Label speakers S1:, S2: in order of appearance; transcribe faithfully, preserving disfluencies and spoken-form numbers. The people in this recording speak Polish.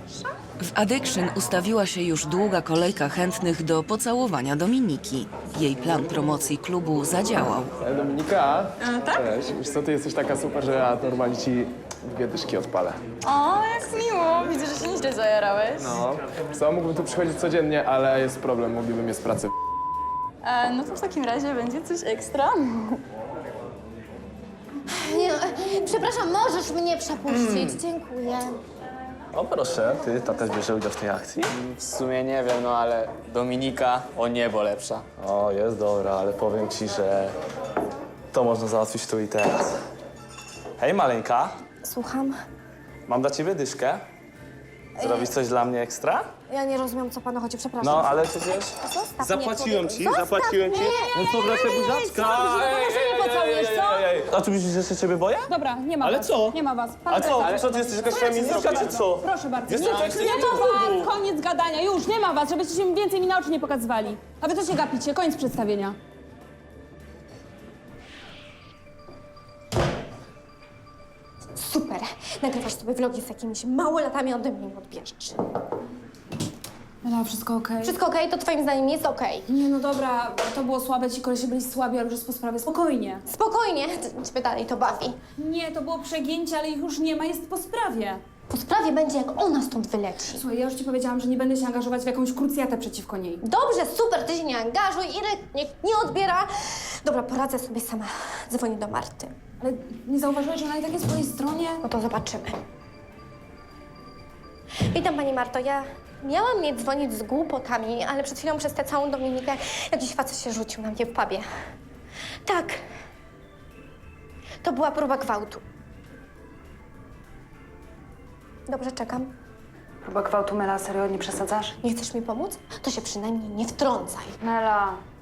S1: W Addiction ustawiła się już długa kolejka chętnych do pocałowania Dominiki. Jej plan promocji klubu zadziałał.
S2: E, Dominika,
S3: E, tak?
S2: cześć. Wiesz co, ty jesteś taka super, że ja normalnie ci dwie dyszki odpalę.
S3: O, jak miło. Widzę, że się nieźle zajarałeś.
S2: No. Wiesz co, mógłbym tu przychodzić codziennie, ale jest problem, mogliby mnie z pracy.
S3: E, no to w takim razie będzie coś ekstra.
S4: Nie, przepraszam, możesz mnie przepuścić. Dziękuję.
S5: O proszę, ty, ta też bierze udział w tej akcji?
S6: W sumie nie wiem, no ale Dominika o niebo lepsza.
S5: O, jest dobra, ale powiem ci, że to można załatwić tu i teraz. Hej, maleńka,
S4: Słucham.
S5: mam dla ciebie dyszkę. Zrobisz coś dla mnie ekstra?
S4: Ja nie rozumiem, co panu chodzi, przepraszam.
S5: No, ale przecież...
S4: Zostaw
S5: Zapłaciłem
S4: mnie,
S5: ci,
S4: człowieku.
S5: zapłaciłem ci.
S4: Zostaw mnie.
S5: No co, proszę, buziaczka.
S4: nie pocałujesz, co?
S5: A ty myślisz, że się ciebie boję?
S7: Dobra, nie ma
S5: Ale
S7: was.
S5: co?
S7: Nie ma was. Pan
S5: A co,
S7: prezes.
S5: co, ty jesteś jakaś feministka, czy co?
S7: Proszę bardzo.
S5: Jestem
S7: nie,
S5: tak
S7: nie ma was, koniec gadania, już, nie ma was, żebyście się więcej mi na oczy nie pokazywali. A wy co się gapicie, koniec przedstawienia.
S4: Super. Nagrywasz sobie vlogi z jakimiś małolatami, ode mnie nie odbierzesz.
S7: No, wszystko okej?
S4: Wszystko okej? To twoim zdaniem jest okej?
S7: Nie, no dobra, to było słabe, ci kolesie byli słabi, ale już jest po sprawie, spokojnie.
S4: Spokojnie. Ciebie dalej to bawi.
S7: Nie, to było przegięcie, ale ich już nie ma, jest po sprawie.
S4: Po sprawie będzie, jak ona stąd wyleci.
S7: Słuchaj, ja już ci powiedziałam, że nie będę się angażować w jakąś krucjatę przeciwko niej.
S4: Dobrze, super, ty się nie angażuj, Irek niech nie odbiera. Dobra, poradzę sobie sama. Dzwonię do Marty.
S7: Ale nie zauważyłeś, że ona i tak jest po jej stronie?
S4: No to zobaczymy. Witam, pani Marto. Ja miałam nie dzwonić z głupotami, ale przed chwilą przez tę całą Dominikę jakiś facet się rzucił na mnie w pubie. Tak. To była próba gwałtu. Dobrze, czekam.
S8: Próba gwałtu, Mela, serio, nie przesadzasz?
S4: Nie chcesz mi pomóc? To się przynajmniej nie wtrącaj.
S8: Mela,